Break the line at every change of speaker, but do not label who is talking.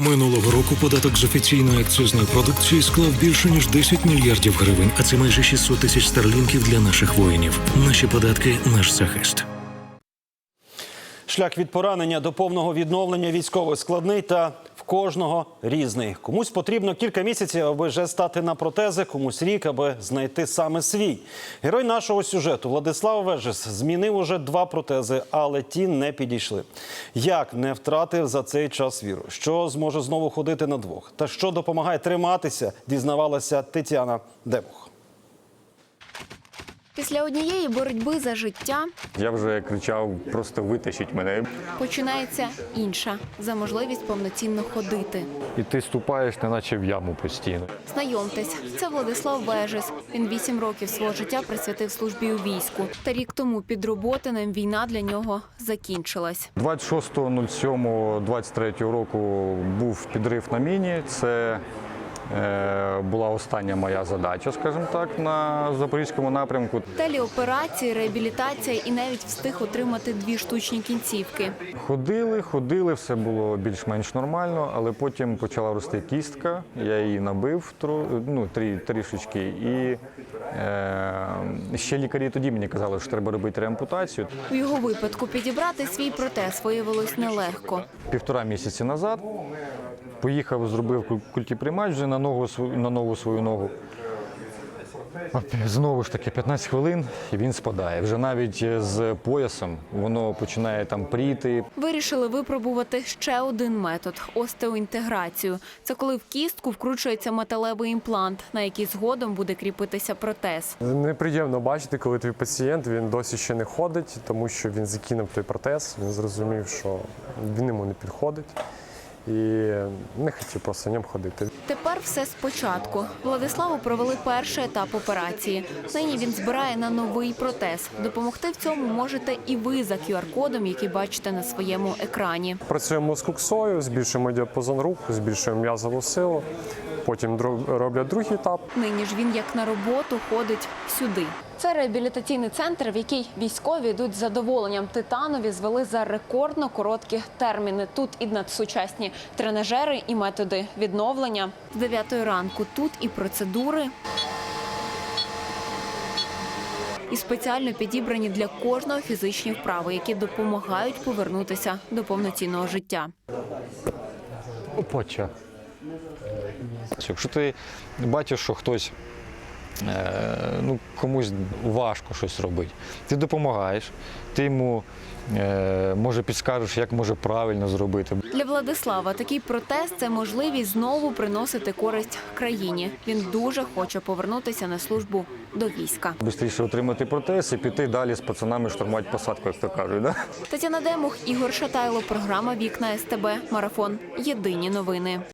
Минулого року податок з офіційної акцизної продукції склав більше, ніж 10 мільярдів гривень, а це майже 600 тисяч старлінків для наших воїнів. Наші податки – наш захист.
Шлях від поранення до повного відновлення військових складний та в кожного різний. Комусь потрібно кілька місяців, аби вже стати на протези, комусь рік, аби знайти саме свій. Герой нашого сюжету Владислав Вежес змінив уже 2 протези, але ті не підійшли. Як не втратив за цей час віру? Що зможе знову ходити на 2? Та що допомагає триматися, дізнавалася Тетяна Демух.
Після однієї боротьби за життя
Я вже кричав, просто витащіть мене.
починається інша – за можливість повноцінно ходити.
І ти ступаєш, неначе в яму постійно.
Знайомтесь, це Владислав Вежес. Він 8 років свого життя присвятив службі у війську. Та рік тому під Роботинем війна для нього закінчилась.
26.07.23 року був підрив на міні. Це була остання моя задача, скажімо так, на Запорізькому напрямку.
Телеоперації, реабілітація і навіть встиг отримати 2 штучні кінцівки.
Ходили, все було більш-менш нормально, але потім почала рости кістка, я її набив трішечки. І ще лікарі тоді мені казали, що треба робити реампутацію.
У його випадку підібрати свій протез виявилось нелегко.
1,5 місяці назад поїхав, зробив культіприймач вже на нову свою ногу. Знову ж таки, 15 хвилин і він спадає. Вже навіть з поясом воно починає там пріти.
Вирішили випробувати ще один метод – остеоінтеграцію. Це коли в кістку вкручується металевий імплант, на який згодом буде кріпитися протез.
Неприємно бачити, коли твій пацієнт, він досі ще не ходить, тому що він закинув той протез, він зрозумів, що він йому не підходить. І не хотів просто ним ходити.
Тепер все спочатку. Владиславу провели перший етап операції. Нині він збирає на новий протез. Допомогти в цьому можете і ви за QR-кодом, який бачите на своєму екрані.
Працюємо з куксою, збільшуємо діапазон рук, збільшуємо м'язову силу. Потім роблять другий етап.
Нині ж він як на роботу ходить сюди. Це реабілітаційний центр, в який військові йдуть з задоволенням. Титанові звели за рекордно короткі терміни. Тут і надсучасні тренажери, і методи відновлення. З 9 ранку тут і процедури, і спеціально підібрані для кожного фізичні вправи, які допомагають повернутися до повноцінного життя.
Опача. Якщо ти бачиш, що хтось, комусь важко щось робити, ти допомагаєш, ти йому, може, підскажеш, як може правильно зробити.
Для Владислава такий протез – це можливість знову приносити користь країні. Він дуже хоче повернутися на службу до війська.
Бистріше отримати протез і піти далі з пацанами штурмувати посадку, як то кажуть. Да?
Тетяна Демух, Ігор Шатайло, програма «Вікна СТБ», Марафон. Єдині новини.